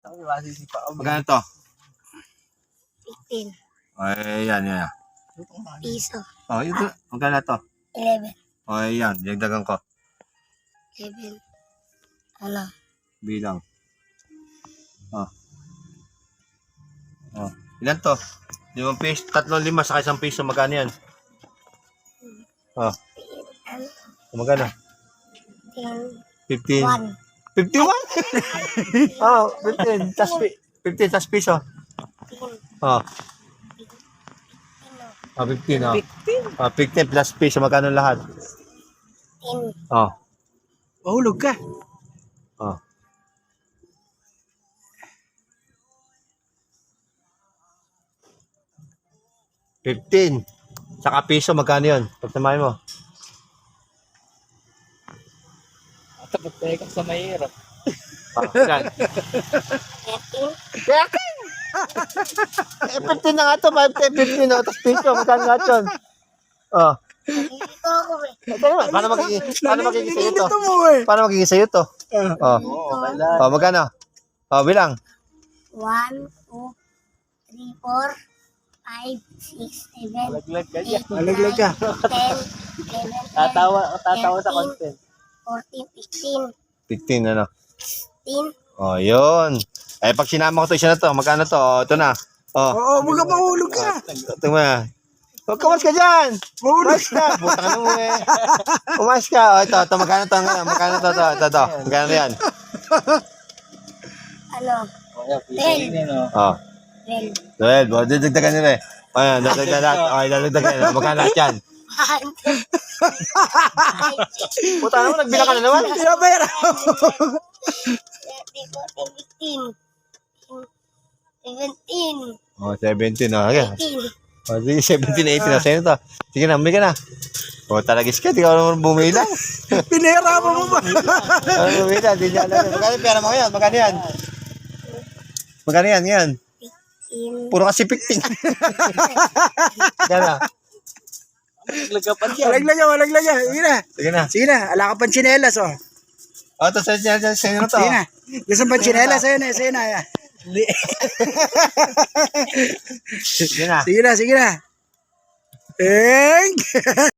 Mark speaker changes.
Speaker 1: Magkano to?
Speaker 2: 15
Speaker 1: Ay, yan.
Speaker 2: piso.
Speaker 1: Oh, ito. Magkano to?
Speaker 2: 11.
Speaker 1: Ay, yan. Dagdagan ko.
Speaker 2: 7. Ano?
Speaker 1: Bilang. Oh. Oh. Ilan to? 5 piso, 3, 5, saka 1 piso. Magkano yan? Oh. Magkano? 15.
Speaker 2: 1.
Speaker 1: 51? Oh, 15. 15 tas piso. Oh. Ah, 15, oh. 15 plus piso. Magkano lahat?
Speaker 2: 10.
Speaker 1: Oh.
Speaker 3: Mahulog ka.
Speaker 1: Oh. $15. Saka piso, magkano yun? Pagtamahin mo.
Speaker 3: Tapos tayo ka sa mahirap.
Speaker 1: Yan.
Speaker 2: 13.
Speaker 1: Eh, 15 na nga to. 15 na. Tapos piso, magkano nga yun? Oh.
Speaker 2: Nalilito ako eh.
Speaker 1: Paano magiging sa'yo to?
Speaker 3: Nalilito mo eh.
Speaker 1: Paano magiging sa'yo to? Oh.
Speaker 2: Nalilito.
Speaker 1: Oh, magkano? Oh, bilang.
Speaker 2: 1, 2, 3, 4, 5, 6, 7,
Speaker 3: Malaglag ka
Speaker 2: 8, 9,
Speaker 3: Malaglag ka.
Speaker 2: 10, 11,
Speaker 3: Tatawa
Speaker 2: 13,
Speaker 3: sa content.
Speaker 2: 14,
Speaker 1: 15,
Speaker 2: 15,
Speaker 1: ano?
Speaker 2: 16,
Speaker 1: Oh, yun. Eh, pag sinama ko to, isa na to. Magkano to? Oh, ito na. Oh.
Speaker 3: Oo, mga mahulog ka.
Speaker 1: Ito mo na. Huwag ka, umas ka dyan.
Speaker 3: Mahulog
Speaker 1: Umas ka. Buta ka na mo eh. Umas ka. Oh, ito. Magkano to? Magkano to? Ito. Magkano yan?
Speaker 2: ano?
Speaker 1: Oh.
Speaker 2: 12.
Speaker 1: 12. Oh, dagdagan nila eh. Ayan, dagdagan. Okay, dagdagan. Magkano lahat yan?
Speaker 2: 1, 2, 3, 4, 5, 6,
Speaker 1: Puta naman, nagbilang ka na naman.
Speaker 3: Pinabayara.
Speaker 2: 13, 14, 15, 17,
Speaker 1: Oh, 17. Oh, okay.
Speaker 2: 18.
Speaker 1: Oh, sige, 17, 18. Oh, sa'yo na to. Sige na, umay ka na. Oh, talagis ka. Di ka naman bumila.
Speaker 3: Pinahirapan mo ba?
Speaker 1: Bumila, di niya alam. Magkano yung pera mo ngayon? Magkano yan? Magkano yan? Yan. Puro kasi 15. Magkano?
Speaker 3: Malaglag ka. Sige na.
Speaker 1: Sige na.
Speaker 3: Sige na. Ala ka pang tsinelas oh.
Speaker 1: Oh, ito sa'yo na to.
Speaker 3: Sige na. Gusto pang tsinelas. Sa'yo na.
Speaker 1: Sige na.
Speaker 3: Sige na. Eng!